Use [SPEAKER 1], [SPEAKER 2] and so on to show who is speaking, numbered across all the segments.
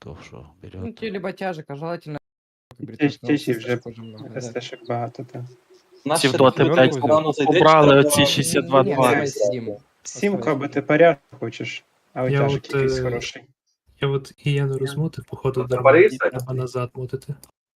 [SPEAKER 1] тяжиков, что
[SPEAKER 2] Ну,
[SPEAKER 1] вперед.
[SPEAKER 2] те либо тяжек, а желательно...
[SPEAKER 3] Тяжі вже
[SPEAKER 2] много, да.
[SPEAKER 3] СТшек багато, так.
[SPEAKER 4] Наш
[SPEAKER 5] Ці вдоти,
[SPEAKER 4] шериф
[SPEAKER 5] блядь,
[SPEAKER 4] рано зайде,
[SPEAKER 5] обрали
[SPEAKER 4] треба-
[SPEAKER 5] оці
[SPEAKER 2] Не,
[SPEAKER 5] 62-2.
[SPEAKER 2] давай сидим.
[SPEAKER 3] Сімку або ти поряд хочеш, а
[SPEAKER 6] Я
[SPEAKER 3] тяжик
[SPEAKER 6] от,
[SPEAKER 3] якийсь хороший.
[SPEAKER 6] Я от і я не розмотив, походу,
[SPEAKER 4] Ну,
[SPEAKER 6] дарма
[SPEAKER 4] Борис,
[SPEAKER 6] треба назад мотити.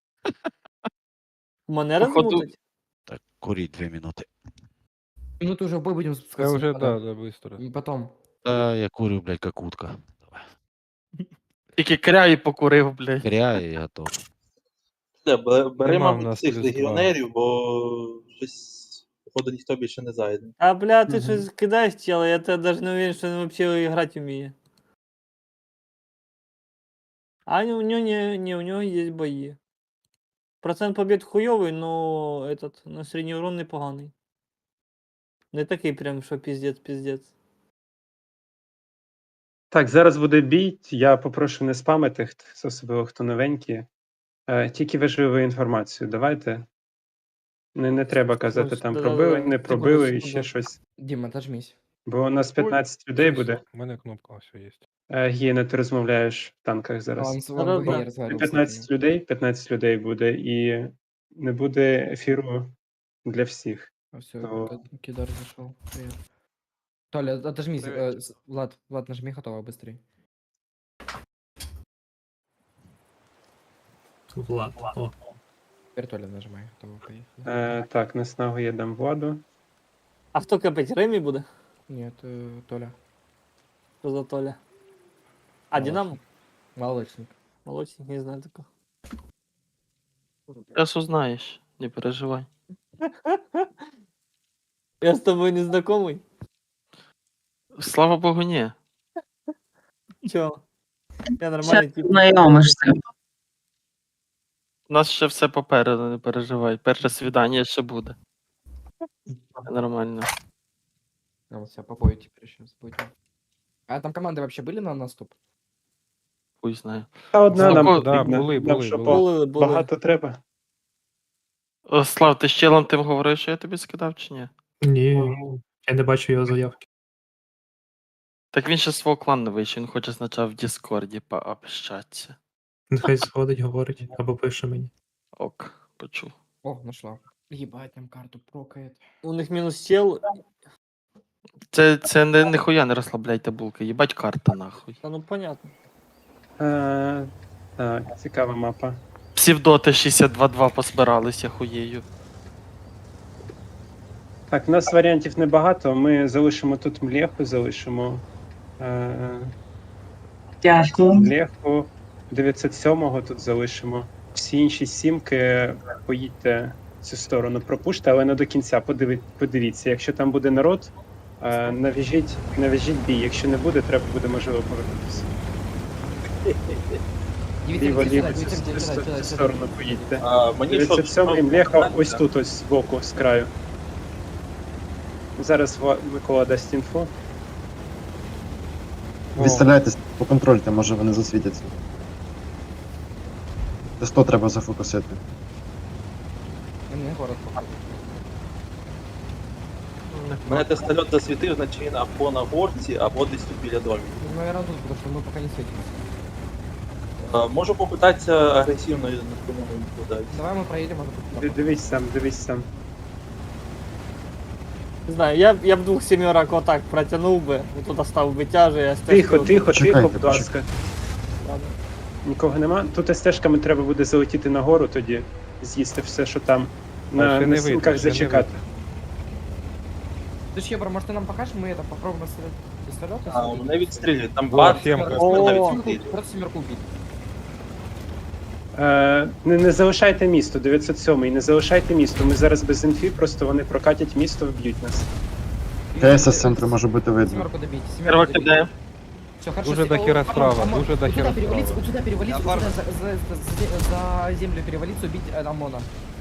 [SPEAKER 7] Мене
[SPEAKER 5] Походу-
[SPEAKER 7] розмутить?
[SPEAKER 1] Так, курить 2 минуты.
[SPEAKER 2] Минуту уже в бой будем
[SPEAKER 8] Я
[SPEAKER 2] спускаться.
[SPEAKER 8] уже,
[SPEAKER 2] потом.
[SPEAKER 8] да, быстро.
[SPEAKER 2] И потом.
[SPEAKER 1] Да, я курю, блядь, как утка. Давай.
[SPEAKER 5] Тільки кряї покурив, блядь.
[SPEAKER 1] Кря и готов.
[SPEAKER 4] Бери,
[SPEAKER 8] Нема в
[SPEAKER 4] мабуть,
[SPEAKER 8] нас
[SPEAKER 4] цих
[SPEAKER 8] плюс
[SPEAKER 4] легіонерів, бо щось, походу, ніхто більше не зайде.
[SPEAKER 7] А, бля, ти
[SPEAKER 2] Мгм.
[SPEAKER 7] щось кидаєш тіло, я тебе даже не уверен, що він взагалі грати вміє. А у нього не, у нього є бої. Процент побед хуйовий, но этот, на середній урон непоганий. Не такий прям, що піздець.
[SPEAKER 3] Так, зараз буде бій. Я попрошу не спамити, особливо хто новенький. Тільки важливу інформацію давайте. Не треба казати там
[SPEAKER 7] Да-да-да.
[SPEAKER 3] пробили, не пробили і
[SPEAKER 7] секунду.
[SPEAKER 3] ще щось.
[SPEAKER 2] Дима, отожмись.
[SPEAKER 3] Бо у нас 15 людей буде.
[SPEAKER 8] У мене кнопка все є.
[SPEAKER 3] Гієна, ти розмовляєш в танках зараз.
[SPEAKER 2] Он
[SPEAKER 7] Да-да-да.
[SPEAKER 2] в ВГ разговаривал с
[SPEAKER 3] 15 людей буде, і не буде ефіру для всіх.
[SPEAKER 2] Все,
[SPEAKER 3] то-
[SPEAKER 2] Кидар зашел. Привет. Толя, отожмись. Влад, нажми готово, быстрей.
[SPEAKER 6] Влад. О,
[SPEAKER 2] Теперь Толя нажимай, готово, поехали.
[SPEAKER 3] Так, наснагу я дам Владу.
[SPEAKER 7] А хто капить? Ремі буде?
[SPEAKER 2] Нет, Толя.
[SPEAKER 7] Що за Толя? А, Динамо?
[SPEAKER 2] Молочник.
[SPEAKER 7] Молодчик, не знаю такого.
[SPEAKER 5] Зараз узнаєш, не переживай.
[SPEAKER 7] Я з тобою не знакомий?
[SPEAKER 5] Слава Богу, ні.
[SPEAKER 7] Чого? Я нормальний тип.
[SPEAKER 9] Знайомишся.
[SPEAKER 5] У нас ще все попереду, не переживай. Перше свідання ще буде. Нормально.
[SPEAKER 2] А вот себя попою теперь сейчас будем. А там команды вообще были на наступ?
[SPEAKER 5] Хуй знає.
[SPEAKER 3] Та одна нам
[SPEAKER 5] Знако-
[SPEAKER 8] Да,
[SPEAKER 3] потрібна.
[SPEAKER 8] були,
[SPEAKER 3] Нам
[SPEAKER 8] були,
[SPEAKER 3] що,
[SPEAKER 8] були.
[SPEAKER 7] Були.
[SPEAKER 3] багато треба.
[SPEAKER 5] О, Слав, ти з челом тим говорив, що я тобі скидав чи ні?
[SPEAKER 6] ні, я не бачу його заявки.
[SPEAKER 5] Так він ще з свого клану вийшов, він хоче спочатку в Діскорді пообщатися.
[SPEAKER 6] Нехай сходить, говорить, або пише мені.
[SPEAKER 5] Ок, почув.
[SPEAKER 2] О, нашла. Ебать, там карту прокает.
[SPEAKER 7] У них мінус чел.
[SPEAKER 5] Це ніхуя не розслабляйте булки, їбать карта нахуй.
[SPEAKER 7] Та ну понятно.
[SPEAKER 3] Так, цікава мапа.
[SPEAKER 5] Псівдоти 62-2 позбиралися хуєю.
[SPEAKER 3] Так, у нас варіантів небагато. Ми залишимо тут млеху, залишимо
[SPEAKER 9] Дякую.
[SPEAKER 3] млеху. 907-го тут залишимо. Всі інші сімки поїдьте в цю сторону, пропуште, але не до кінця. Подивіться, якщо там буде народ, нав'яжіть бій. Якщо не буде, треба буде можливо повернутися. Ліво, цю сторону поїдьте.
[SPEAKER 4] Мені що,
[SPEAKER 3] 907-й млеха ось тут, ось збоку, з краю. Зараз Микола дасть інфу.
[SPEAKER 10] Відстріляйтесь, поконтрольте, може вони засвітяться. Т100 треба зафокусити.
[SPEAKER 2] Мне город походу.
[SPEAKER 4] мене тестольот засвітив, значить він або на горці, або десь тут біля домів.
[SPEAKER 2] Ну, наверное, тут, потому что мы пока не светимся.
[SPEAKER 4] Можу попитатися агресивно на кому не подати.
[SPEAKER 2] Давай мы проедем, а тут...
[SPEAKER 3] Дивись сам.
[SPEAKER 7] Не знаю, я б двох сімерок отак протягнув би, тут став би тяже, я
[SPEAKER 3] Тихо,
[SPEAKER 10] Почекайте,
[SPEAKER 3] будь ласка. Нікого нема. Тут СТ-шками треба буде залетіти нагору тоді, з'їсти все, що там.
[SPEAKER 8] ще
[SPEAKER 3] На
[SPEAKER 8] не
[SPEAKER 3] сімках
[SPEAKER 8] видно, ще не
[SPEAKER 3] зачекати.
[SPEAKER 2] Ты Щебра, может ты нам покажешь, мы это попробуем с пистолета?
[SPEAKER 4] Мене відстрілюють, там
[SPEAKER 8] О,
[SPEAKER 4] бат,
[SPEAKER 8] сімка.
[SPEAKER 2] Просто семерку убить.
[SPEAKER 3] Не залишайте місто, 907-й, не залишайте місто. Ми зараз без інфі, просто вони прокатять місто, вб'ють нас.
[SPEAKER 10] КС з центру може бути видно.
[SPEAKER 2] Семерку добить.
[SPEAKER 5] Перво кидає.
[SPEAKER 2] Все, хорошо.
[SPEAKER 8] Дуже до хера справа, дуже до хера
[SPEAKER 2] перевалиться,
[SPEAKER 8] справа.
[SPEAKER 2] вот сюда перевалиться, вот сюда за землю перевалиться, убить ОМОНа.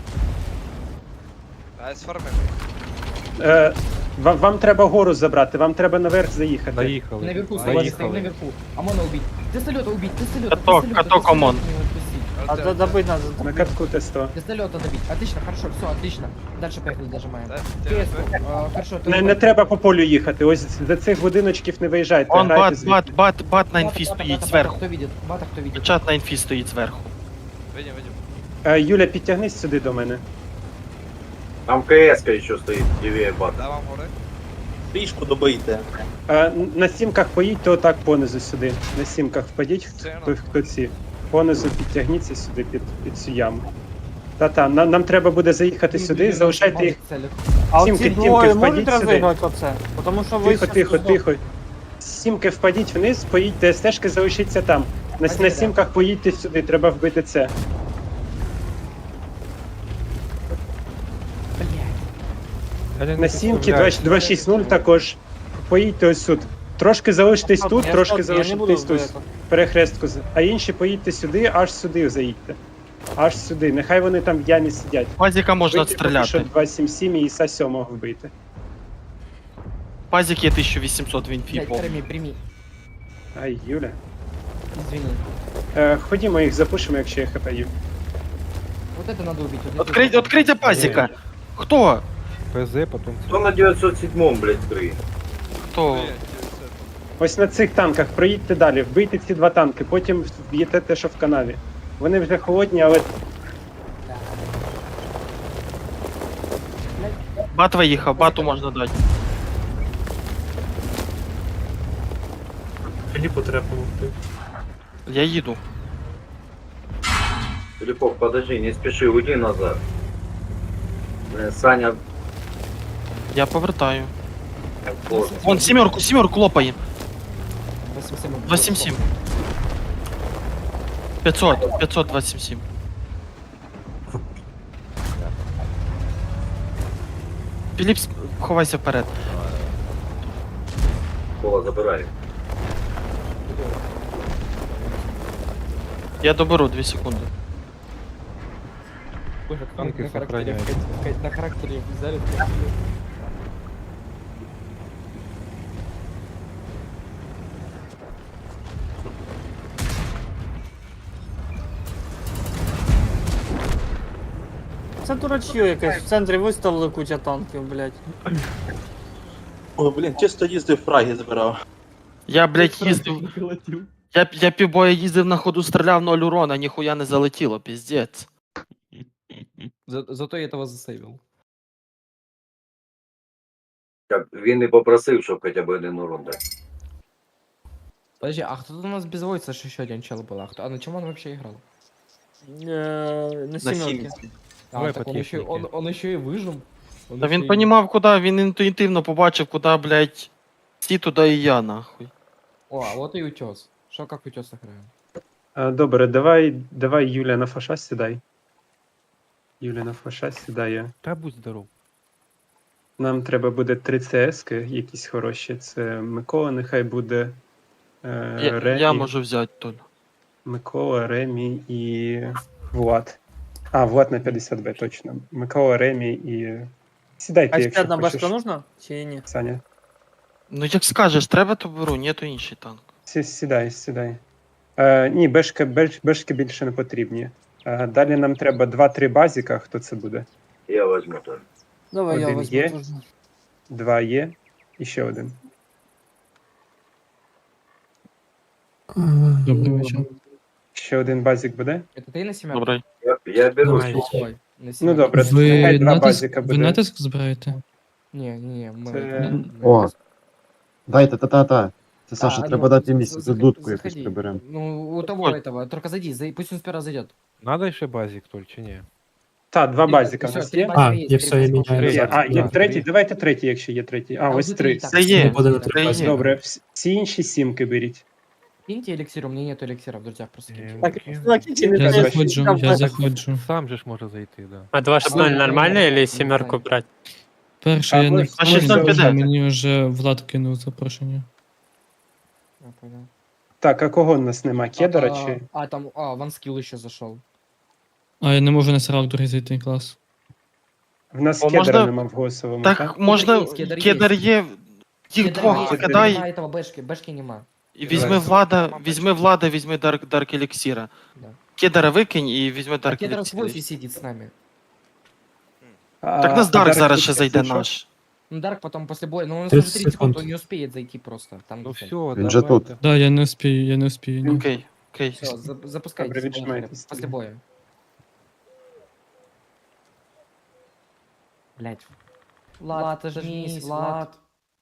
[SPEAKER 3] Вам треба гору забрати, вам треба наверх заїхати.
[SPEAKER 8] Заїхали.
[SPEAKER 2] Наверху, стоим
[SPEAKER 8] Заїхали.
[SPEAKER 2] наверху. ОМОНа убить. Тестолета убить, тестолета.
[SPEAKER 5] Каток, ОМОН.
[SPEAKER 7] А добыть надо.
[SPEAKER 3] На катку Т100.
[SPEAKER 2] Вертолета добить. Отлично, хорошо, все, отлично. Дальше поехали, дожимаем. Хорошо,
[SPEAKER 3] Не треба по полю їхати, ось за цих будиночків не виїжджайте,
[SPEAKER 5] Он
[SPEAKER 3] грайте
[SPEAKER 5] бат,
[SPEAKER 3] звідти.
[SPEAKER 5] бат на інфі стоїть зверху.
[SPEAKER 2] Кто видит? Бата кто видит?
[SPEAKER 5] Чат на інфі стоїть зверху.
[SPEAKER 3] Юля, підтягнись сюди до мене.
[SPEAKER 9] Там КС-ка еще стоит, левее бата.
[SPEAKER 4] Трішку добийте.
[SPEAKER 3] На сімках поїдьте отак понизу сюди. На сімках впадіть, хто ці. Понизу підтягніться сюди під цю яму. Та-та, нам треба буде заїхати сюди, залишайте їх.
[SPEAKER 7] А
[SPEAKER 3] Сімки,
[SPEAKER 7] оці
[SPEAKER 3] тімки,
[SPEAKER 7] двоє
[SPEAKER 3] впадіть
[SPEAKER 7] можуть
[SPEAKER 3] сюди.
[SPEAKER 7] розіграти оце? Потому що ви
[SPEAKER 3] Тихо,
[SPEAKER 7] щас
[SPEAKER 3] тихо,
[SPEAKER 7] тут-
[SPEAKER 3] тихо. З сімки впадіть вниз, поїдьте, стежки залишиться там. На сімках поїдьте сюди, треба вбити це. На сімки 260 також. Поїдьте ось тут. Трошки залишитесь тут,
[SPEAKER 7] Я
[SPEAKER 3] трошки
[SPEAKER 7] стop, я не буду
[SPEAKER 3] залишитесь тут.
[SPEAKER 7] в это.
[SPEAKER 3] Перехрестку. А інші поїдьте сюди, аж сюди заїдьте. Аж сюди. Нехай вони там в ямі сидять.
[SPEAKER 5] Пазіка можна
[SPEAKER 3] Вбийте поки що
[SPEAKER 5] стріляти.
[SPEAKER 3] 277 і Іса 7 вбийте.
[SPEAKER 5] Пазік є 1800 в інфі.
[SPEAKER 2] Блядь,
[SPEAKER 5] повний.
[SPEAKER 2] прими.
[SPEAKER 3] Ай, Юля.
[SPEAKER 2] Извини.
[SPEAKER 3] Ходімо їх запушимо, якщо є хп Юля.
[SPEAKER 2] Вот это надо убить. вот это
[SPEAKER 5] Открийте пазіка. Хто?
[SPEAKER 8] ПЗ, потом...
[SPEAKER 9] Кто на 907-м, блядь, кры?
[SPEAKER 5] Хто?
[SPEAKER 3] Ось на цих танках проїдьте далі, вбийте ці два танки, потім вб'єте те, що в канаві. Вони вже холодні, але
[SPEAKER 5] Бат виїхав, бату можна дати.
[SPEAKER 6] Філіпу треба помогти.
[SPEAKER 5] Я їду.
[SPEAKER 9] Филиппов, подожди, не спеши, уйди назад. Саня,
[SPEAKER 5] Я повертаю.
[SPEAKER 9] вот.
[SPEAKER 5] Вон сімерку лопає.
[SPEAKER 2] 87.
[SPEAKER 5] 277. 527. Філіп, ховайся вперед.
[SPEAKER 9] Кола, забирай.
[SPEAKER 5] Я доберу 2 секунди.
[SPEAKER 8] Танки сохраняют.
[SPEAKER 2] На характере взяли.
[SPEAKER 7] Це дурачье якесь. В центрі виставили куча танків, блядь.
[SPEAKER 4] Ой, блін, чисто їздив фраги збирав.
[SPEAKER 5] Я, блядь, їздив. Я півбоя їздив на ходу, стріляв 0 урона, ніхуя не залетіло, піздець.
[SPEAKER 2] Зато я этого засейвил.
[SPEAKER 9] Він не попросив, щоб хоча б один урон дати.
[SPEAKER 2] Подожди, а кто тут у нас без войца еще один чел был? А на чем он вообще играл?
[SPEAKER 7] На
[SPEAKER 4] На
[SPEAKER 7] сімерки.
[SPEAKER 4] сімці.
[SPEAKER 8] Давай
[SPEAKER 2] так
[SPEAKER 8] по
[SPEAKER 2] он еще,
[SPEAKER 8] технике.
[SPEAKER 2] он еще и выжил. Он
[SPEAKER 5] Та
[SPEAKER 2] еще
[SPEAKER 5] він
[SPEAKER 2] и-
[SPEAKER 5] понімав, куди, він інтуїтивно побачив, куди, блядь, всі туди і я, нахуй.
[SPEAKER 2] О, а вот и утес. Что как утес играем?
[SPEAKER 3] добре, давай Юля на фаша сідай. Юля на фаша сідає.
[SPEAKER 8] Да будь здоров.
[SPEAKER 3] Нам треба буде 3 ЦС-ки, якісь хороші. Це Микола, нехай буде Ремі.
[SPEAKER 5] Я можу взяти тут.
[SPEAKER 3] Микола, Ремі і Влад. А, Влад на 50Б, точно. Микола, Ремі і. Сідайте,
[SPEAKER 7] А ще
[SPEAKER 3] якщо
[SPEAKER 7] одна
[SPEAKER 3] хочеш,
[SPEAKER 7] башка нужна? Чи ні?
[SPEAKER 3] Саня.
[SPEAKER 5] Ну як скажеш, треба, то беру, ні, то інший танк.
[SPEAKER 3] Сідай. Ні, бешки більше не потрібні. Далі нам треба 2-3 базіка. Хто це буде?
[SPEAKER 9] Я возьму то.
[SPEAKER 7] Давай я
[SPEAKER 3] Один
[SPEAKER 7] возьму
[SPEAKER 3] є.
[SPEAKER 7] теж.
[SPEAKER 3] 2 є. І ще один.
[SPEAKER 6] Добрий вечір.
[SPEAKER 3] Ще один базік буде?
[SPEAKER 2] Это ты на семерку?
[SPEAKER 5] Добре.
[SPEAKER 9] Я беру.
[SPEAKER 6] Давай.
[SPEAKER 2] Ой, на
[SPEAKER 3] Ну
[SPEAKER 2] семерку.
[SPEAKER 3] добре, нехай 2 базіка
[SPEAKER 6] ви
[SPEAKER 3] буде.
[SPEAKER 6] натиск збираєте?
[SPEAKER 2] Не, мы...
[SPEAKER 3] Це-
[SPEAKER 10] О, дайте, та. Це Саша,
[SPEAKER 2] А,
[SPEAKER 10] треба
[SPEAKER 2] ну,
[SPEAKER 10] дати місце,
[SPEAKER 2] заходи,
[SPEAKER 10] дудку якусь
[SPEAKER 2] заходи.
[SPEAKER 10] приберемо.
[SPEAKER 2] Ну, у того
[SPEAKER 5] Ой.
[SPEAKER 2] этого, только зайди, пусть он сперва зайдет.
[SPEAKER 8] Надо еще базик только, не?
[SPEAKER 3] Так, 2 базіка в
[SPEAKER 2] Всё,
[SPEAKER 3] нас
[SPEAKER 2] три
[SPEAKER 3] є.
[SPEAKER 2] базика
[SPEAKER 6] А,
[SPEAKER 2] есть,
[SPEAKER 6] я
[SPEAKER 2] три
[SPEAKER 6] все, я
[SPEAKER 2] базика
[SPEAKER 6] міняю.
[SPEAKER 2] есть.
[SPEAKER 3] Є. А, є
[SPEAKER 8] Да.
[SPEAKER 3] третій, давайте третій, якщо є третій. А,
[SPEAKER 2] Там
[SPEAKER 3] ось
[SPEAKER 2] же
[SPEAKER 3] 3.
[SPEAKER 2] так.
[SPEAKER 5] Це є.
[SPEAKER 6] Буде на
[SPEAKER 2] Так.
[SPEAKER 6] 3 базі.
[SPEAKER 3] Добре, всі інші сімки беріть.
[SPEAKER 2] Киньте эликсир, у меня нету эликсира в друзьях, просто киньте.
[SPEAKER 7] Так,
[SPEAKER 8] Кем?
[SPEAKER 7] чуваки, не
[SPEAKER 6] Я
[SPEAKER 7] треба
[SPEAKER 6] заходжу,
[SPEAKER 7] там
[SPEAKER 6] я
[SPEAKER 7] бачити.
[SPEAKER 6] заходжу.
[SPEAKER 8] Сам же ж може зайти, да.
[SPEAKER 11] А 2.6.0
[SPEAKER 2] Ну,
[SPEAKER 11] нормально
[SPEAKER 2] ну,
[SPEAKER 11] или
[SPEAKER 2] ну,
[SPEAKER 11] семерку
[SPEAKER 2] ну,
[SPEAKER 11] брать?
[SPEAKER 6] Перше,
[SPEAKER 3] А
[SPEAKER 6] я не
[SPEAKER 3] ви-
[SPEAKER 6] в
[SPEAKER 5] А 600
[SPEAKER 6] курсі,
[SPEAKER 5] піде.
[SPEAKER 6] мені вже Влад кинув запрошення.
[SPEAKER 2] Я понял.
[SPEAKER 3] Так, а кого в нас нема? Кедра чи?
[SPEAKER 2] Там, ванскилл еще зашел.
[SPEAKER 6] А я не можу на сервак другий зайти, клас.
[SPEAKER 3] В нас
[SPEAKER 5] О,
[SPEAKER 3] кедра
[SPEAKER 5] можна-
[SPEAKER 3] нема в голосовому,
[SPEAKER 5] Так,
[SPEAKER 3] так?
[SPEAKER 5] можна,
[SPEAKER 2] є, кедр є.
[SPEAKER 5] кедр є, їх
[SPEAKER 2] Кедр
[SPEAKER 5] двох
[SPEAKER 2] есть,
[SPEAKER 5] викидай,
[SPEAKER 2] нема этого бэшки нема.
[SPEAKER 5] і візьми
[SPEAKER 3] Давай.
[SPEAKER 5] Влада, візьми Дарк Еліксіра.
[SPEAKER 2] Да.
[SPEAKER 5] Кедера викинь і візьми
[SPEAKER 2] А
[SPEAKER 5] Дарк
[SPEAKER 2] Кедр с Вольфи
[SPEAKER 5] Ліпсі.
[SPEAKER 2] сидит с нами.
[SPEAKER 5] Так нас Дарк зараз ще зайде наш.
[SPEAKER 2] Ну, Дарк потом после боя, но он
[SPEAKER 8] 30
[SPEAKER 2] уже 30 секунд,
[SPEAKER 8] секунд.
[SPEAKER 2] он не успеет зайти просто. Там
[SPEAKER 8] Ну
[SPEAKER 2] где-то.
[SPEAKER 8] все,
[SPEAKER 10] Він же тут.
[SPEAKER 6] Да, я не успію, я не успію. Ні.
[SPEAKER 5] Окей, окей.
[SPEAKER 2] Все, запускайтесь,
[SPEAKER 3] Добре,
[SPEAKER 2] поехали.
[SPEAKER 3] віджимайтесь.
[SPEAKER 2] После боя. Блять. Влад, ожмись, Влад.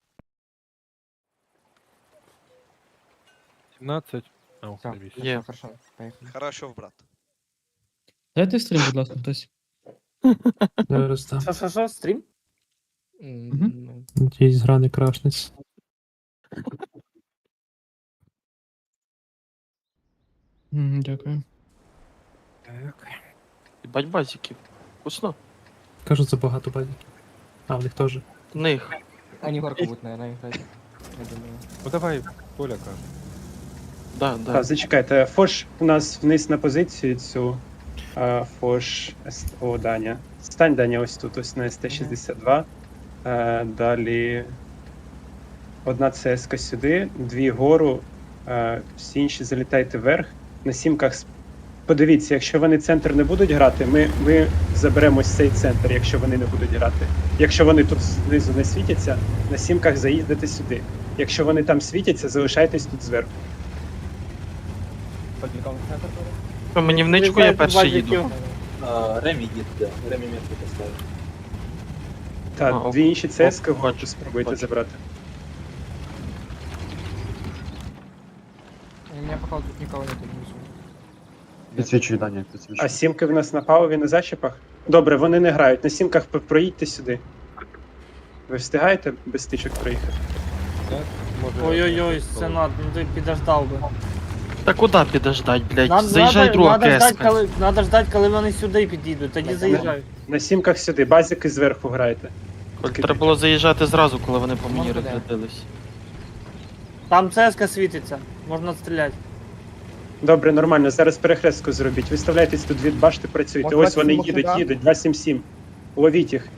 [SPEAKER 8] 17. А,
[SPEAKER 2] Все,
[SPEAKER 8] заебись.
[SPEAKER 5] Є.
[SPEAKER 2] хорошо, поехали.
[SPEAKER 11] Хорошо, брат.
[SPEAKER 6] Дайте стрім, будь ласка, хтось.
[SPEAKER 12] Зараз там.
[SPEAKER 7] Що, стрім?
[SPEAKER 2] Ну,
[SPEAKER 12] Надіюсь, гра не крашнеться.
[SPEAKER 6] Дякую.
[SPEAKER 5] Бать базіків. Вкусно.
[SPEAKER 12] Кажуть, забагато базіків. А, в них теж.
[SPEAKER 5] В них.
[SPEAKER 2] Они горку будут, наверное, играть. Я думаю.
[SPEAKER 8] Ну давай, Коля каже.
[SPEAKER 5] Да,
[SPEAKER 3] Так,
[SPEAKER 5] да.
[SPEAKER 3] зачекайте, Фош у нас вниз на позицію цю. Фош. О, Даня. Стань, Даня, ось тут, ось на СТ-62. Далі. Одна ЦСК сюди, дві гору, всі інші залітайте вверх. На сімках. Подивіться, якщо вони центр не будуть грати, ми заберемо ось цей центр, якщо вони не будуть грати. Якщо вони тут знизу не світяться, на сімках заїздите сюди. Якщо вони там світяться, залишайтесь тут зверху.
[SPEAKER 5] Мені в ничку я перший їду.
[SPEAKER 4] Ремі їде, Ремі метку поставив.
[SPEAKER 3] Так,
[SPEAKER 5] Ага,
[SPEAKER 3] дві інші ЦСК
[SPEAKER 5] бачу,
[SPEAKER 3] гору спробуйте
[SPEAKER 5] бачу.
[SPEAKER 3] забрати.
[SPEAKER 2] У меня пока тут никого нет, не вижу.
[SPEAKER 10] Підсвічуй, Даня, підсвічуй.
[SPEAKER 3] А сімки в нас на палубі на зачіпах? Добре, вони не грають. На сімках проїдьте сюди. Ви встигаєте без стичок проїхати?
[SPEAKER 8] Так, може...
[SPEAKER 7] Ой-ой-ой, Сенат, ну ти підождав би.
[SPEAKER 5] Та куди підождать, блядь? Заїжджай друга КС.
[SPEAKER 7] Надо ждать, коли вони сюди підійдуть, тоді заїжджають.
[SPEAKER 3] На сімках сюди, базики зверху грайте.
[SPEAKER 5] Треба було заїжджати зразу, коли вони по мені
[SPEAKER 2] Можна, да.
[SPEAKER 5] розрядились.
[SPEAKER 7] Там ЦСК світиться, можна стріляти.
[SPEAKER 3] Добре, нормально, зараз перехрестку зробіть. Виставляйтесь тут від башти, працюйте.
[SPEAKER 2] Може,
[SPEAKER 3] Ось вони
[SPEAKER 2] 27
[SPEAKER 3] їдуть, 277. Ловіть їх.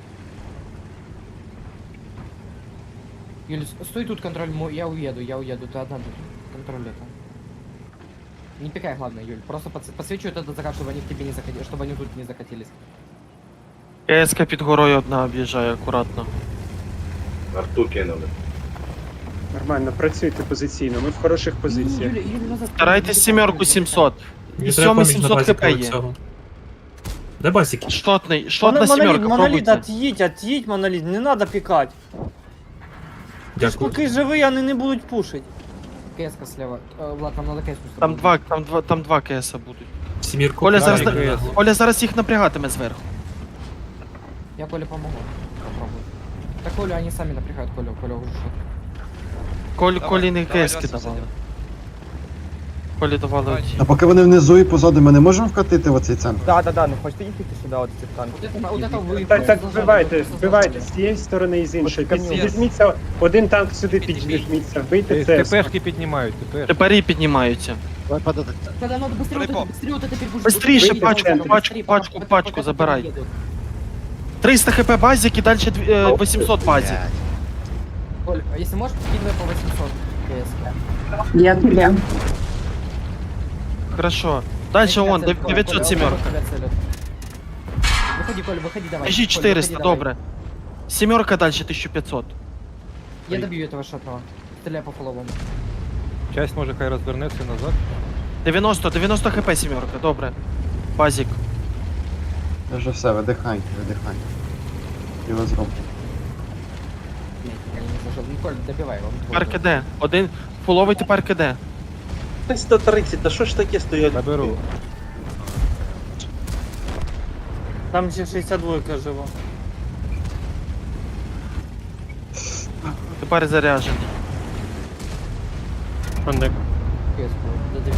[SPEAKER 2] Юль, стой тут, контроль, я уеду, ты одна тут. Контроль это. Не пикай, главное, Юль. Просто подсвечу этот закат, чтобы они к тебе не закатились, чтобы они тут не закатились.
[SPEAKER 5] КСК під горою одна об'їжджає акуратно.
[SPEAKER 9] Арту кинули.
[SPEAKER 3] Нормально, працюйте позиційно, ми в хороших позиціях.
[SPEAKER 2] Юля, назад.
[SPEAKER 5] Старайтесь сімерку 700. І сьомий 700 хп є.
[SPEAKER 12] Де базіки?
[SPEAKER 5] Шот на сімерку,
[SPEAKER 7] Моноліт,
[SPEAKER 5] пробуйте.
[SPEAKER 7] отъедь, моноліт, не надо пікати. Ти ж
[SPEAKER 12] Дякую.
[SPEAKER 7] поки живий, вони не будуть пушити.
[SPEAKER 2] КС-ка слева. Влад, нам надо КС-ку
[SPEAKER 5] Там два КСа будуть.
[SPEAKER 12] Сімірку.
[SPEAKER 5] Коля
[SPEAKER 8] зараз
[SPEAKER 12] Давай,
[SPEAKER 8] на-
[SPEAKER 12] КС.
[SPEAKER 5] Коля зараз їх напрягатиме зверху.
[SPEAKER 2] Я Коле помогу. Попробуй. Так Колю они сами напрягают, Коля уже шот.
[SPEAKER 5] Колі не
[SPEAKER 11] давай,
[SPEAKER 5] КСки
[SPEAKER 11] давай,
[SPEAKER 5] давали. Колі давали оці.
[SPEAKER 10] А поки вони внизу і позаду, ми не можемо вкатити в оцей центр?
[SPEAKER 2] Да, ну хочете їхати сюди, от цих танків. Вот это вы.
[SPEAKER 3] Так, вбивайте з цієї сторони і з іншої. Візьміться, один танк сюди піджміться, вийти це.
[SPEAKER 8] ТПшки піднімають, ТПшки.
[SPEAKER 5] Тепер і піднімаються.
[SPEAKER 1] Давай подадать.
[SPEAKER 2] Когда надо быстрее, вот
[SPEAKER 11] Прикол.
[SPEAKER 2] это, быстрее вот это перегружать.
[SPEAKER 5] Быстрейше
[SPEAKER 3] Выйди в центр.
[SPEAKER 5] пачку забирай. 300 хп базик і далі 800 базик.
[SPEAKER 2] Коль, а если можешь, скидывай по 800 КС.
[SPEAKER 13] Я тебе.
[SPEAKER 5] Хорошо. Дальше он, 900 семерка.
[SPEAKER 2] Выходи, Коля, выходи, давай.
[SPEAKER 5] Біжи
[SPEAKER 2] Коль,
[SPEAKER 5] 400,
[SPEAKER 2] выходи, давай.
[SPEAKER 5] добре. Семерка далі 1500.
[SPEAKER 2] Я добью этого шотного. Стреляй по фоловому.
[SPEAKER 8] Часть може хай розвернеться назад.
[SPEAKER 5] 90 хп семерка, добре. Базик.
[SPEAKER 10] Це вже все, видихай. І ви зробите.
[SPEAKER 2] Блядь, я не зашел. Ну, Коль, добивай его.
[SPEAKER 5] Тепер КД. Один фуловий тепер КД.
[SPEAKER 4] 130, та що ж таке стоять?
[SPEAKER 8] Наберу.
[SPEAKER 7] Там ще 62 жива.
[SPEAKER 5] Тепер заряджений.
[SPEAKER 2] КС-ку, додави.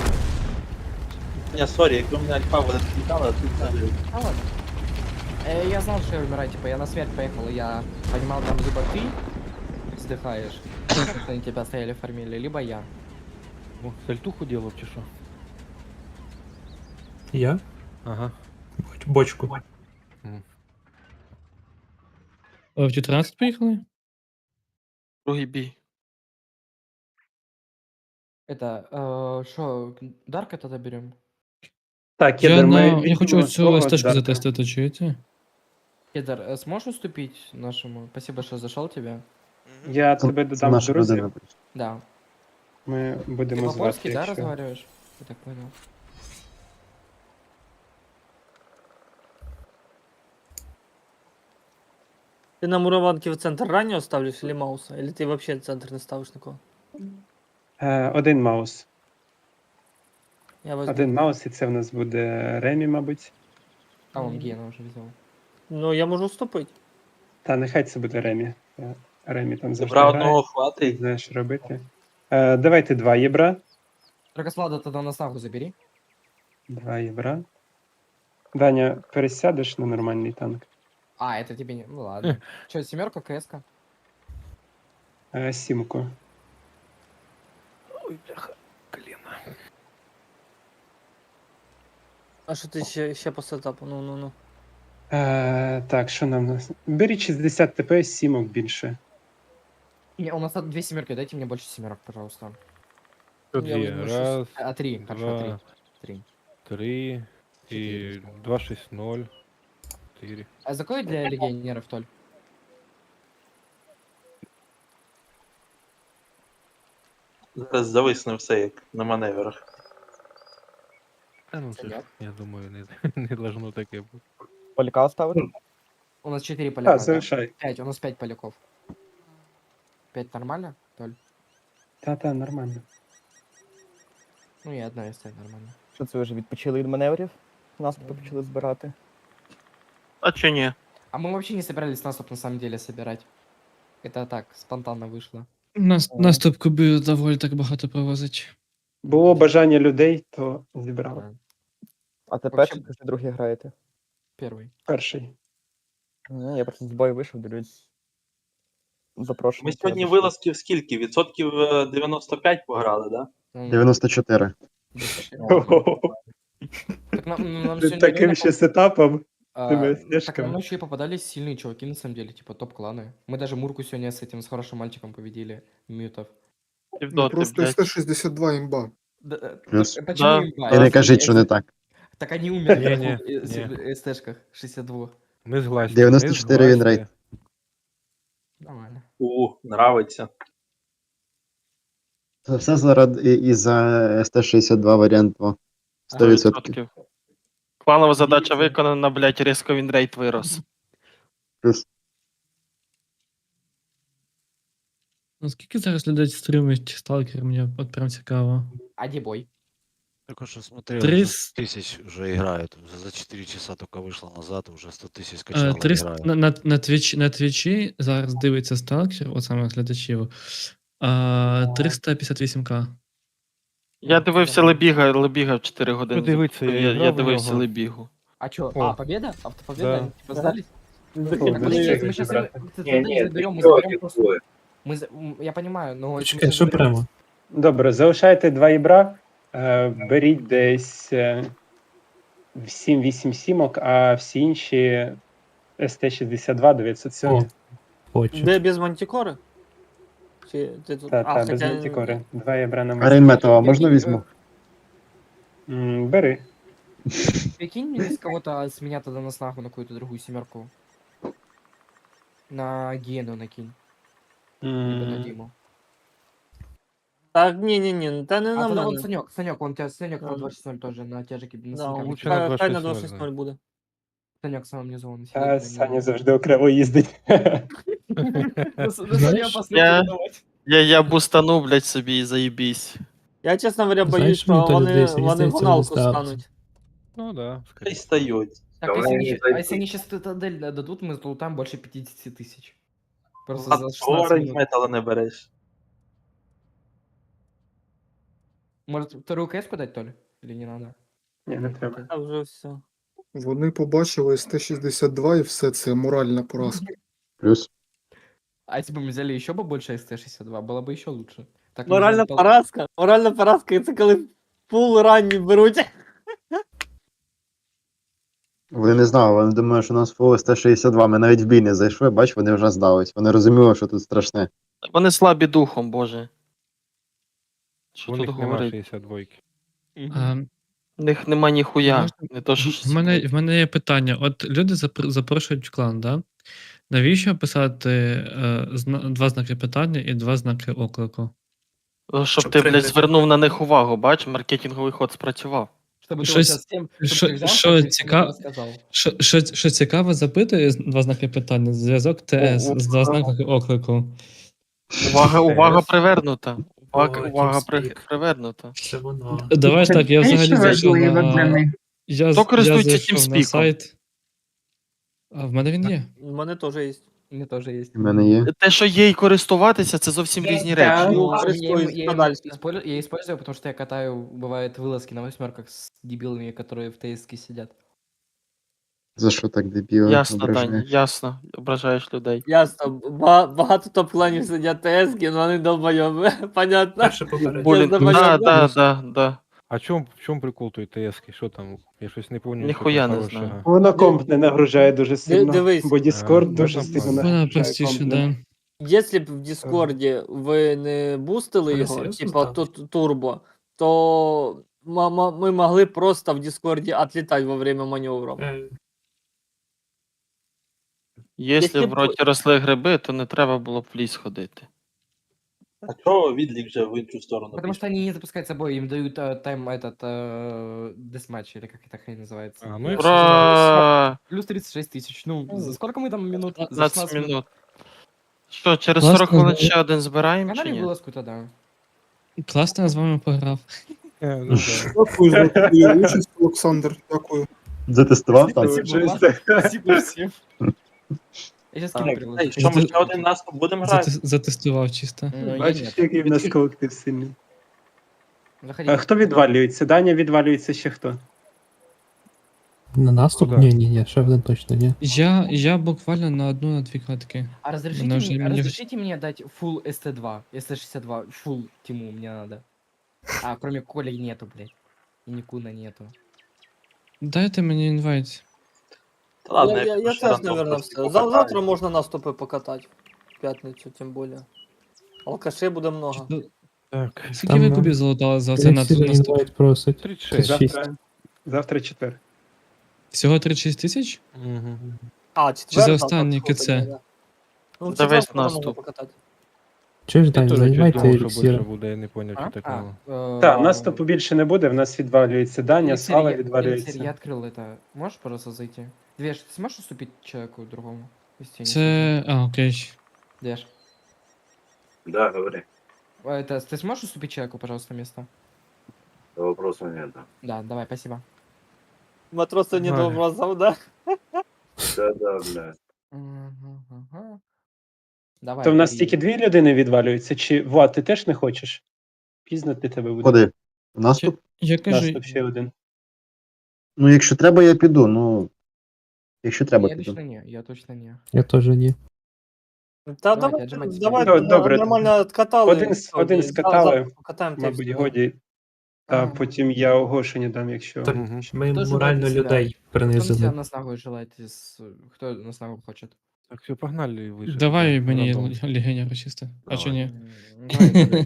[SPEAKER 4] Я сорі, якби мене альфа буде відлітала, тут взагалі.
[SPEAKER 2] А ладно. Я знал, что я умираю, типа, я на смерть поехал, я понимал, там либо ты вздыхаешь, что они тебя стояли фармили, либо я.
[SPEAKER 8] О, сальтуху ділав чи що?
[SPEAKER 12] Я?
[SPEAKER 8] Ага.
[SPEAKER 12] Бочку.
[SPEAKER 6] В 14 поїхали?
[SPEAKER 5] Другий бій.
[SPEAKER 2] Это, что, Дарка тогда берем?
[SPEAKER 3] Так,
[SPEAKER 6] Я,
[SPEAKER 3] Кедр, ми
[SPEAKER 6] я
[SPEAKER 3] візьмемо
[SPEAKER 6] хочу цю
[SPEAKER 3] свого
[SPEAKER 6] стежку
[SPEAKER 3] Дарка.
[SPEAKER 6] затестити, чуєте?
[SPEAKER 2] Кедр, сможешь уступить нашему? Спасибо, что зашел тебе.
[SPEAKER 3] Я
[SPEAKER 10] Це,
[SPEAKER 3] тебе
[SPEAKER 10] це
[SPEAKER 3] додам в
[SPEAKER 10] наша
[SPEAKER 3] друзі.
[SPEAKER 10] людина.
[SPEAKER 2] Да.
[SPEAKER 3] Ми
[SPEAKER 2] Ты
[SPEAKER 3] будемо звати,
[SPEAKER 2] по-польски, да,
[SPEAKER 3] якщо...
[SPEAKER 2] разговариваешь? Я так понял.
[SPEAKER 7] Ти на мураванки в центр раннього ставиш или Мауса? Или ти вообще центр не ставиш нікого?
[SPEAKER 3] Один маус.
[SPEAKER 7] Я возьму.
[SPEAKER 3] Один маус, і це в нас буде Ремі, мабуть.
[SPEAKER 2] А, он Гена уже взял.
[SPEAKER 7] Ну, я можу вступити.
[SPEAKER 3] Та нехай це буде Ремі. Ремі там завжди
[SPEAKER 4] Добра
[SPEAKER 3] грає,
[SPEAKER 4] одного хватить.
[SPEAKER 3] знає, що робити. Давайте 2 єбра.
[SPEAKER 2] Драгослада тогда на снагу забери.
[SPEAKER 3] 2 єбра. Даня, пересядеш на нормальний танк?
[SPEAKER 2] А, это тебе не... Ну ладно. Че, семерка, КС-ка?
[SPEAKER 3] Сімку.
[SPEAKER 8] Ой, бляха, коліна.
[SPEAKER 7] А що ти ще по сетапу? Ну.
[SPEAKER 3] Так, що нам нас? Беріть 60 ТП, сімок більше.
[SPEAKER 2] Не, у нас тут 2 семерки, дайте мне больше семерок, пожалуйста.
[SPEAKER 8] Тут
[SPEAKER 7] Я
[SPEAKER 8] є.
[SPEAKER 7] возьму
[SPEAKER 8] Раз,
[SPEAKER 2] А, 3, хорошо, 3.
[SPEAKER 8] два,
[SPEAKER 2] 3.
[SPEAKER 8] 3 і 2, 6, 0, 4.
[SPEAKER 2] А за кой для легионеров, Толь?
[SPEAKER 4] Зараз зависне все, як на маневрах.
[SPEAKER 8] Та ну це ж, я думаю, не должно таке бути.
[SPEAKER 10] Поляка оставити?
[SPEAKER 2] У нас 4 поляка.
[SPEAKER 3] Так,
[SPEAKER 2] да?
[SPEAKER 3] залишай.
[SPEAKER 2] 5, у нас 5 поляков. 5 нормально, Толь?
[SPEAKER 3] Та, нормально.
[SPEAKER 2] Ну и одна из 5 нормально.
[SPEAKER 10] Що це ви вже відпочили від маневрів? Наступи почали збирати.
[SPEAKER 5] А чи ні?
[SPEAKER 2] А мы вообще не собирались наступ на самом деле собирать. Это так, спонтанно вышло.
[SPEAKER 6] Наступ кубів доволі так багато провозить.
[SPEAKER 3] Було бажання людей, то зібрали.
[SPEAKER 2] Да.
[SPEAKER 10] А тепер
[SPEAKER 2] Вообще-
[SPEAKER 10] чи другий граєте?
[SPEAKER 2] Первый.
[SPEAKER 3] Перший.
[SPEAKER 10] Я просто з бою вийшов, дивлюсь. Запрошую.
[SPEAKER 4] Ми сьогодні вилазків скільки? Відсотків 95 пограли, да?
[SPEAKER 2] Ну,
[SPEAKER 10] 94.
[SPEAKER 2] Так нам
[SPEAKER 3] Ти
[SPEAKER 2] сегодня
[SPEAKER 3] таким
[SPEAKER 2] реально
[SPEAKER 3] ще сетапом.
[SPEAKER 2] А,
[SPEAKER 3] Тими
[SPEAKER 2] так
[SPEAKER 3] снежками.
[SPEAKER 2] нам еще и попадались сильные чуваки, на самом деле, типа топ-кланы. Мы даже Мурку сегодня с этим, с хорошим мальчиком победили, Мютов.
[SPEAKER 5] Півдоти, блядь.
[SPEAKER 11] СТ-62 имба.
[SPEAKER 10] Плюс.
[SPEAKER 2] Почему
[SPEAKER 5] Да.
[SPEAKER 2] имба?
[SPEAKER 10] І не кажіть, що не так.
[SPEAKER 2] Так они умерли
[SPEAKER 8] Не-не,
[SPEAKER 2] в СТшках 62.
[SPEAKER 8] Ми згласні.
[SPEAKER 10] 94 він рейд.
[SPEAKER 2] Нормально.
[SPEAKER 4] Нравиться.
[SPEAKER 10] Це все заради із-за СТ-62 варіант 2. 100%.
[SPEAKER 5] 100%. Планова задача виконана, блядь, різко він рейд вирос.
[SPEAKER 10] Плюс.
[SPEAKER 6] Наскільки зараз людей стримують сталкер, мені от прям цікаво.
[SPEAKER 2] А где бой?
[SPEAKER 1] Только что смотрел,
[SPEAKER 6] 300
[SPEAKER 1] уже 100 тысяч уже играет. За 4 часа только вышло назад, уже 100 тысяч скачало,
[SPEAKER 6] 300
[SPEAKER 1] играет.
[SPEAKER 6] на твічі зараз дивиться сталкер, от саме глядачів. 358к.
[SPEAKER 5] Я дивився Лебіга в 4 години.
[SPEAKER 8] Ну, дивиться, я
[SPEAKER 5] я
[SPEAKER 8] грав у
[SPEAKER 5] дивився
[SPEAKER 8] нього.
[SPEAKER 5] Лебігу.
[SPEAKER 2] А чё?
[SPEAKER 8] О.
[SPEAKER 2] А, победа? Автопобеда?
[SPEAKER 8] Да.
[SPEAKER 2] Типа сдались?
[SPEAKER 3] Ну,
[SPEAKER 2] Так, подожди, если мы сейчас заберем, мы заберем просто... Я понимаю, но... если мы
[SPEAKER 12] Чекай,
[SPEAKER 2] щас
[SPEAKER 12] що
[SPEAKER 2] заберем-
[SPEAKER 12] прямо?
[SPEAKER 3] Добре, залишайте 2 єбра. Беріть десь 7-8 сімок, а всі інші СТ-62 907.
[SPEAKER 12] О. Хочу.
[SPEAKER 7] Де без мантикори? Чи ти тут?
[SPEAKER 3] Та, без
[SPEAKER 7] хоча-
[SPEAKER 3] мантикори. 2 єбра на
[SPEAKER 10] Арен метова, можна візьму?
[SPEAKER 3] Бери.
[SPEAKER 2] Прикинь мне с кого-то с меня тогда на снагу на какую-то другую семерку. На Гену накинь. Либо на Диму.
[SPEAKER 7] Так, ні, та не
[SPEAKER 2] А
[SPEAKER 7] на
[SPEAKER 2] тогда вон
[SPEAKER 7] мене.
[SPEAKER 2] Санек, он тебя Санек на
[SPEAKER 7] Да.
[SPEAKER 2] 260 тоже на тяжике на
[SPEAKER 7] Да,
[SPEAKER 2] Санька
[SPEAKER 8] лучше на
[SPEAKER 7] хай на
[SPEAKER 8] 260,
[SPEAKER 7] 260 буде.
[SPEAKER 2] Санек в самом низу он
[SPEAKER 3] Та Саня завжди окремо їздить.
[SPEAKER 5] Я бустану, блядь, собі і заїбісь.
[SPEAKER 7] Я, чесно говоря,
[SPEAKER 12] Знаєш,
[SPEAKER 7] боюсь, що
[SPEAKER 12] мені то
[SPEAKER 7] вони,
[SPEAKER 12] людей, мені
[SPEAKER 7] вони
[SPEAKER 12] здається,
[SPEAKER 7] гоналку
[SPEAKER 12] вони ставлять.
[SPEAKER 7] стануть.
[SPEAKER 8] Ну да,
[SPEAKER 4] Хай
[SPEAKER 8] скоріше.
[SPEAKER 4] стають.
[SPEAKER 2] Так,
[SPEAKER 9] Давай
[SPEAKER 2] если
[SPEAKER 9] не
[SPEAKER 2] они,
[SPEAKER 9] зайти.
[SPEAKER 2] если они сейчас цитадель дадут, мы залутаем больше 50 тысяч. Просто
[SPEAKER 4] А
[SPEAKER 2] за 16
[SPEAKER 4] Оранж
[SPEAKER 2] минут.
[SPEAKER 4] метала не береш.
[SPEAKER 2] Может, вторую КС подать, Толь? Или не надо?
[SPEAKER 3] Ні, не треба.
[SPEAKER 7] А вже все.
[SPEAKER 11] Вони побачили СТ-62 і все, це моральна поразка.
[SPEAKER 10] Плюс.
[SPEAKER 2] А если бы мы взяли еще бы больше СТ-62, было бы еще лучше. Так мы
[SPEAKER 7] Моральна
[SPEAKER 2] взяли
[SPEAKER 7] поразка. Моральна поразка, це коли фул ранні беруть.
[SPEAKER 10] Вони не знали, вони думали, що у нас фул СТ-62. Ми навіть в бій не зайшли, бач, вони вже здались. Вони розуміли, що тут страшне.
[SPEAKER 5] Вони слабі духом, боже. Що
[SPEAKER 8] У
[SPEAKER 5] тут
[SPEAKER 8] них нема
[SPEAKER 5] говорить?
[SPEAKER 8] 62.
[SPEAKER 6] А,
[SPEAKER 5] В них нема ніхуя.
[SPEAKER 6] Можна-
[SPEAKER 5] Не то, що
[SPEAKER 6] В мене є питання. От люди запрошують в клан, да? Навіщо писати два знаки питання і два знаки оклику?
[SPEAKER 5] щоб ти, блядь, звернув на них увагу, бач, маркетинговий ход спрацював.
[SPEAKER 2] Чтобы ты вот
[SPEAKER 6] Щось-
[SPEAKER 2] сейчас всем,
[SPEAKER 6] що-
[SPEAKER 2] чтобы ты взял,
[SPEAKER 6] що
[SPEAKER 2] и всем
[SPEAKER 6] цікаво-
[SPEAKER 2] рассказал.
[SPEAKER 6] Що цікаво запитує два знаки питання, зв'язок ТС з два знаки оклику.
[SPEAKER 5] Увага привернута.
[SPEAKER 12] О,
[SPEAKER 5] Увага
[SPEAKER 12] TeamSpeak.
[SPEAKER 5] привернута.
[SPEAKER 12] Це воно.
[SPEAKER 6] Давай ж так, я взагалі зайшов на...
[SPEAKER 5] Хто користується
[SPEAKER 6] зайшов на
[SPEAKER 5] TeamSpeak?
[SPEAKER 6] сайт. А в мене він є.
[SPEAKER 7] У мене теж є.
[SPEAKER 2] У меня тоже есть.
[SPEAKER 10] У мене є.
[SPEAKER 5] Те, що є і користуватися, це зовсім різні речі.
[SPEAKER 7] Ну,
[SPEAKER 2] Ну,
[SPEAKER 7] користуюсь
[SPEAKER 2] я
[SPEAKER 7] подальше.
[SPEAKER 2] я использую, потому что я катаю, бывает, вылазки на восьмерках с дебилами, которые в ТСК сидят.
[SPEAKER 10] За що так дебіли
[SPEAKER 5] Ясно, Дань,
[SPEAKER 10] ображаєш?
[SPEAKER 5] ясно. Ображаєш людей.
[SPEAKER 7] Ясно, багато топ-кланів сидять ТСки, але вони долбойоби. Понятно.
[SPEAKER 12] Перше попередження.
[SPEAKER 5] Блін,
[SPEAKER 7] забажав,
[SPEAKER 5] да.
[SPEAKER 8] А в чому прикол той ТСки? Що там? Я щось не пам'ятаю.
[SPEAKER 5] Ніхуя не знаю.
[SPEAKER 3] Воно комп не нагружає дуже сильно,
[SPEAKER 7] дивись.
[SPEAKER 3] бо Discord дуже
[SPEAKER 8] Можна
[SPEAKER 3] сильно
[SPEAKER 8] поняти.
[SPEAKER 6] Вона
[SPEAKER 3] нагружає
[SPEAKER 6] простіше,
[SPEAKER 3] комп.
[SPEAKER 6] да.
[SPEAKER 7] Якщо б в Діскорді ви не бустили
[SPEAKER 12] Але
[SPEAKER 7] його,
[SPEAKER 12] серйозно
[SPEAKER 7] типа
[SPEAKER 12] ставиш?
[SPEAKER 7] турбо, то ми могли просто в Діскорді отлітати во время маневру.
[SPEAKER 5] Якщо
[SPEAKER 7] Якщо
[SPEAKER 5] в
[SPEAKER 7] б-
[SPEAKER 5] роті росли гриби, то не треба було б в ліс ходити.
[SPEAKER 4] А чого відлік вже в іншу сторону?
[SPEAKER 2] Потому что они не запускают с собой, им дают тайм этот десматч, или как эта хрень называется.
[SPEAKER 8] А, ну і
[SPEAKER 5] Ура!
[SPEAKER 2] Плюс 36 тысяч. Ну, за сколько мы там минут? За
[SPEAKER 5] 15 минут. Що, через
[SPEAKER 6] Класно,
[SPEAKER 5] 40 хвилин
[SPEAKER 6] знаю.
[SPEAKER 5] ще один збираємо чи
[SPEAKER 2] Каналі
[SPEAKER 5] ні?
[SPEAKER 2] вылазку тогда.
[SPEAKER 6] Класно я з вами пограв.
[SPEAKER 8] Ну, да.
[SPEAKER 11] Дякую за твою участь, Олександр. Дякую.
[SPEAKER 10] Затестував там?
[SPEAKER 2] Спасибо всем. Я сейчас скину
[SPEAKER 4] Так,
[SPEAKER 2] приложу.
[SPEAKER 4] що ми ще один наступ будемо грати?
[SPEAKER 6] Затестував чисто.
[SPEAKER 2] Ну, я
[SPEAKER 3] Бачиш,
[SPEAKER 2] нет.
[SPEAKER 3] який в нас колектив сильний.
[SPEAKER 2] Заходи.
[SPEAKER 3] А хто відвалюється? Даня відвалюється ще хто?
[SPEAKER 12] На наступ?
[SPEAKER 8] Куда?
[SPEAKER 12] Ні, ще один точно, ні.
[SPEAKER 6] Я буквально на 1-2 катки.
[SPEAKER 2] А разрешите
[SPEAKER 6] Она уже
[SPEAKER 2] мне,
[SPEAKER 6] меня-
[SPEAKER 2] разрешите мне дать full ST2, ST62, full Тиму мне надо. А, кроме Коли нету, блядь. И Никуна нету.
[SPEAKER 6] Дайте мені інвайт.
[SPEAKER 4] Та ладно,
[SPEAKER 7] Я
[SPEAKER 4] якщо
[SPEAKER 7] теж,
[SPEAKER 4] рандом
[SPEAKER 7] наверное,
[SPEAKER 4] просто
[SPEAKER 7] все.
[SPEAKER 4] покатаю.
[SPEAKER 7] Завтра можна наступи покатати. В п'ятницю, тим більше. Алкашей буде много.
[SPEAKER 8] Так.
[SPEAKER 6] Скільки ви кубів залутали за цей наступ?
[SPEAKER 12] просить.
[SPEAKER 8] 36.
[SPEAKER 3] Завтра четвер.
[SPEAKER 6] Всього 36 тисяч?
[SPEAKER 8] Угу.
[SPEAKER 7] А,
[SPEAKER 6] Чи
[SPEAKER 7] четвер.
[SPEAKER 6] за останній
[SPEAKER 7] так,
[SPEAKER 6] КЦ?
[SPEAKER 7] да. Ну, в
[SPEAKER 5] За весь
[SPEAKER 7] четвер можна
[SPEAKER 5] наступ.
[SPEAKER 7] покатати.
[SPEAKER 12] Чуєш,
[SPEAKER 8] Я
[SPEAKER 12] Дань,
[SPEAKER 8] теж
[SPEAKER 12] займайте
[SPEAKER 8] думав, що більше
[SPEAKER 12] еліксір.
[SPEAKER 8] буде, я не поняв, що такого.
[SPEAKER 3] Так, наступу більше не буде, в нас відвалюється Даня,
[SPEAKER 2] Эликсир,
[SPEAKER 3] Слава
[SPEAKER 2] я
[SPEAKER 3] відвалюється.
[SPEAKER 2] открыл это. Можешь, пожалуйста, зайти? Двеш, ты сможешь уступить человеку другому? Если я не
[SPEAKER 6] Це. А, окей.
[SPEAKER 2] слышу? Двеш.
[SPEAKER 9] Да, говори.
[SPEAKER 2] Это, ты сможешь уступить человеку, пожалуйста, место?
[SPEAKER 9] Вопросов нет.
[SPEAKER 2] Да, давай, спасибо.
[SPEAKER 7] Матроса не
[SPEAKER 8] Ой.
[SPEAKER 7] до вразов, да?
[SPEAKER 9] Да, блядь.
[SPEAKER 2] Ага. Давай.
[SPEAKER 3] То в нас
[SPEAKER 2] бери.
[SPEAKER 3] тільки 2 людини відвалюються, чи Влад, ти теж не хочеш? Пізно для тебе буде.
[SPEAKER 10] Ходи. Наступ?
[SPEAKER 6] Я кажу,
[SPEAKER 3] Наступ ще один.
[SPEAKER 10] Ну, якщо треба, я піду. Ну. Якщо треба,
[SPEAKER 2] Я
[SPEAKER 10] піду.
[SPEAKER 2] точно не, я точно не.
[SPEAKER 12] Я теж ні.
[SPEAKER 7] Та
[SPEAKER 2] Давайте,
[SPEAKER 7] давай,
[SPEAKER 2] отжимайтесь.
[SPEAKER 7] давай,
[SPEAKER 3] Добре.
[SPEAKER 7] нормально откатали.
[SPEAKER 3] Один скатали,
[SPEAKER 7] Покатаємо
[SPEAKER 3] мабуть, годі. Та
[SPEAKER 2] А.
[SPEAKER 3] потім я оголошення дам, якщо.
[SPEAKER 12] Так,
[SPEAKER 8] Мгм.
[SPEAKER 12] ми
[SPEAKER 2] Хто
[SPEAKER 12] морально
[SPEAKER 2] желає
[SPEAKER 12] людей
[SPEAKER 2] Кто на
[SPEAKER 12] принизили.
[SPEAKER 2] себя нас нахуй желает кто нас нахуй хочет?
[SPEAKER 8] Так, все, погнали вище.
[SPEAKER 6] давай мені
[SPEAKER 8] Рандом.
[SPEAKER 6] легенера чисто. А чи ні?
[SPEAKER 2] Давай,